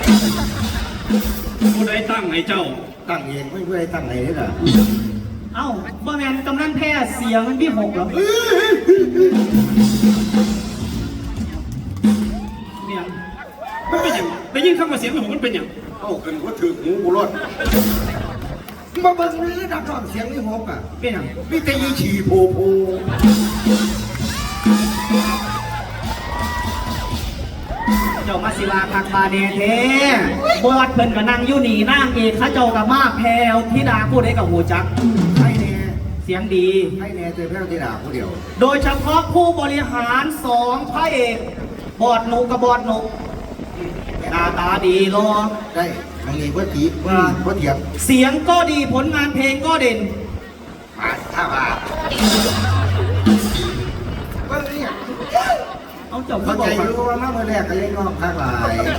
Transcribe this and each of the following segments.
ผู้ใดตั้งให้เจ้าตั้งเองไม่เพื่อให้ตั้งไหนนี่ล่ะเอ้าบ่แม่นกำนันแพ้เสียงมันพี่หกเหรอเนี่ยมันเป็นอย่างได้ยินคำว่าเสียงของมันเป็นอย่างเข้ากันว่าถือหูกูรอดมาเบิ่งนี่นักร้องเสียงนี่หกอ่ะเป็นหยังนี่แต่ยี่ฉี่โผโผเจ้ามาศิลาคักบาเดเทบอดเพิ่นก็นั่งอยู่นี่นั่งเอกเขาเจ้ากับมาแพรวธิดาผู้ใดกับหูจักให้แน่เสียงดีให้แน่เจอแพ้วที่ด่าผู้เดียวโดยเฉพาะผู้บริหารสองพระเอกบอดหนุกับบอดหนุหน้าตาดีรอได้บางทีว่าตีว่าเถียงเสียงก็ดีผลงานเพลงก็เด่นมาถ้ามาเบิ่งนี่เอาเจ้าเข้าใจรู้ว่ามาเมื่อแรกก็ยังร้องข้างหลาย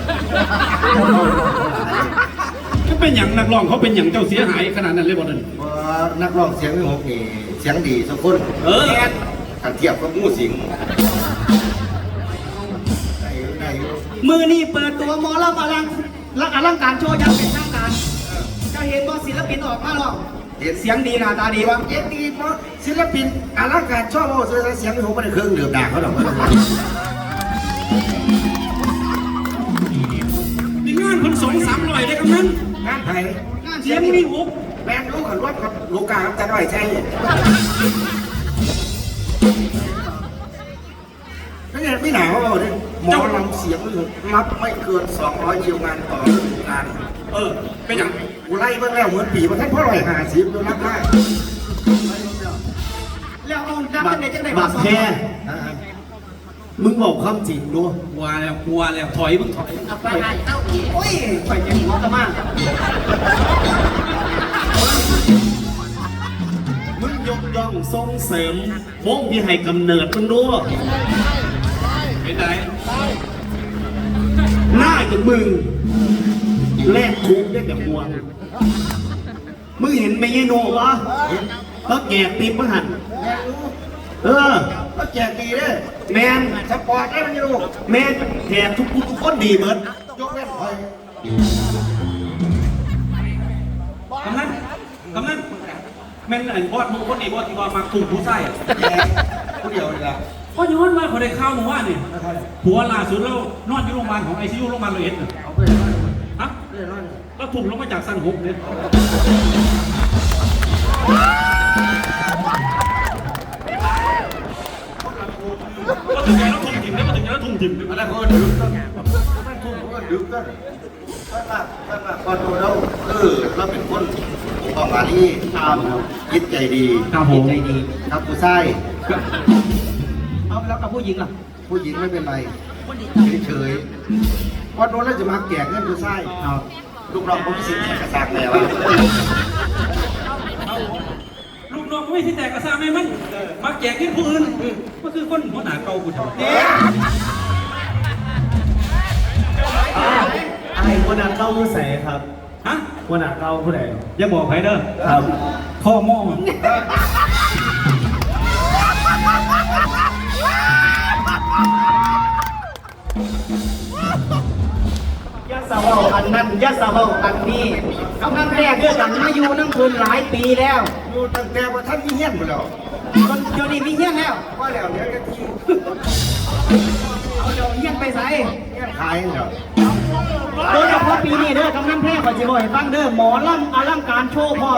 ก็เป็นอย่างนักร้องเขาเป็นอย่างเจ้าเสียหายขนาดนั้นเลยบ่นั่นว่านักร้องเสียงไม่หกนี่เสียงดีทุกคนถ้าเทียบกับงูสิงได้มือนี่เปิดตัวมอลำอลังการโชว์ยังเป็นทางการจะเห็นว่าศิลปินออกมาหรอกเสียงดีหน้าตาดีวะเสียงดีเพราะศิลปินอลังการชอบเอาเสียงไม่หกไม่ได้เครื่องดื่มด่าเขาหรอกมีงานคน200-300ได้กำนันงานไทยเสียงมีหุบแบงรู้กันว่ากับลูกกาครับจะได้ใช่ไม่ใช่ไม่หนาวเลยหมอลำเสียงนับไม่เกิน200คิวงานต่อฤดูกาลเป็นอย่างกูไล่เมื่อแล้วเหมือนปีมันแค่พ่อ150ดูนับได้แล้วเอาดับเป็นในจังไหนบักแค่มึงบอกความจริงด้วยกลัวแล้วถอยมึงถอยเอาไปเอาอีกโอ้ยไปยังหัวกระมังมึงยกย่องส่งเสริมวงที่ให้กำเนิดมึงด้วยเป็นไงหน้ากับมึงแลกคุกได้แต่หัวมึงเห็นไหมยายโนวะเขาแก่ติมมหันก็แจกดีเลยแมนสปอร์ตได้มันอยู่แมนแถมทุกคนดีเหมือนยกเว้นคอยกำนันแม่นไอ้บอสมึงคนนี้บอสที่ว่ามาถูกผู้ใส่ผู้เดียวเลยละก็ย้อนมาเขาได้ข้าวมาว่านี่ผัวล่าสุดแล้วนอนอยู่โรงพยาบาลของICUโรงพยาบาลเลยเอาไปเลยฮะแล้วถูกลงมาจากสั้นหกเนี่ยก็ถึงแล้วทุ่มถิ่มแล้วก็ถึงแล้วทุ่มถิ่มอะไรคนดึกต้นไม่ทุ่มก็ดึกต้นท่านมาพอดูแล้วเราเป็นคนประมาณนี้คิดใจดีใจดีครับผู้ชายเอาแล้วกับผู้หญิงล่ะผู้หญิงไม่เป็นไรเฉยพอโดนแล้วจะมาแก่เงินผู้ชายลูกน้องผมสิแตกกระซากแล้วลูกน้องไม่ที่แตกกระซากไม่มันมาแก่กินผู้อื่นก็คือคนหัวหน้าเก่ากูเถอะไอ้คนนั้นเข้าผู้ใส่ครับฮะคนนั้นเข้าผู้ใดอย่าบอกใครเด้อครับข้อมอยัสเวาอันนั้นยัสเวาอันนี้กำลังแรกเรื่องกันมาอยู่นั่งคืนหลายปีแล้วอยู่ตั้งแต่ว่าท่านมีเงี้ยนหมดแล้วจนเดี๋ยวนี้มีเงี้ยนแล้วว่าแล้วเดี๋ยวกันทีเอาเดี๋ยวเงี้ยนไปใส่เงี้ยนขายเหรอโดยเฉพาะปีนี้เด้อกำนันแพร่ขอจะบอกให้ฟังเด้อหมอลำอลังการโชว์พ่อ